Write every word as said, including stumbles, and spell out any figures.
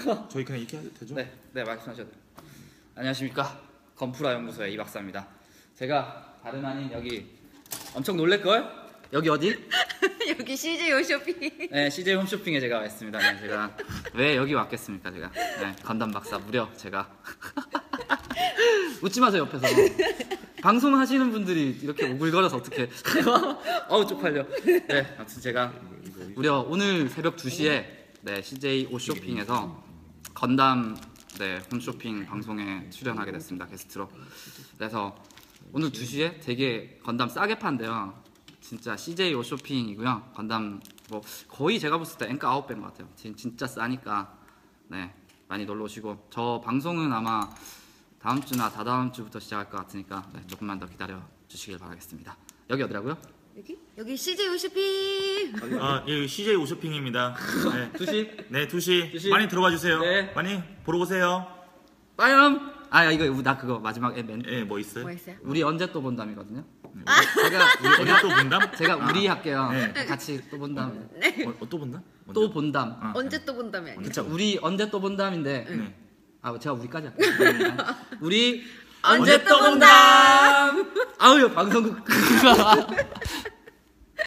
저희 그냥 이렇게 해도 되죠? 네, 네 말씀하셔도 돼요. 안녕하십니까, 건프라 연구소의 이 박사입니다. 제가 다름 아닌 여기 엄청 놀랄걸? 여기 어디? 여기 씨제이 홈쇼핑. 네, 씨제이 홈쇼핑에 제가 왔습니다. 네, 제가 왜 여기 왔겠습니까, 제가? 네, 건담 박사 무려 제가 웃지 마세요 옆에서. 방송하시는 분들이 이렇게 오글거려서 어떻게? 어우 쪽팔려. 네, 아무튼 제가 무려 오늘 새벽 두 시에 네, 씨제이 옷쇼핑에서 건담 네, 홈쇼핑 방송에 출연하게 됐습니다, 게스트로. 그래서 오늘 두 시에 되게 건담 싸게 판대요. 진짜 씨제이 옷쇼핑이고요. 건담 뭐 거의 제가 봤을 때 앵가 아홉 배인 것 같아요. 진짜 싸니까 네, 많이 놀러 오시고, 저 방송은 아마 다음 주나 다다음 주부터 시작할 것 같으니까 네, 조금만 더 기다려 주시길 바라겠습니다. 여기 어디라고요? 여기? 여기 씨제이 홈쇼핑. 아, 예, 씨제이 옷쇼핑입니다. 네. 두 시? 네, 두 시. 두 시. 많이 들어와 주세요. 네. 많이 보러 오세요. 빠염! 아 이거 나 그거 마지막에 멘. 예, 뭐 있어요? 뭐 있어요? 우리 언제 또 본담이거든요. 아. 제가 우리 어디 또 본담? 제가 우리 할게요. 네. 같이 또 본담. 어, 어, 또 본담? 또 본담. 아, 언제 또 본다며 아니야? 그쵸, 우리 언제 또 본담인데. 네. 아 제가 우리까지 할게요. 우리 언제 또 본담. 아우 방송국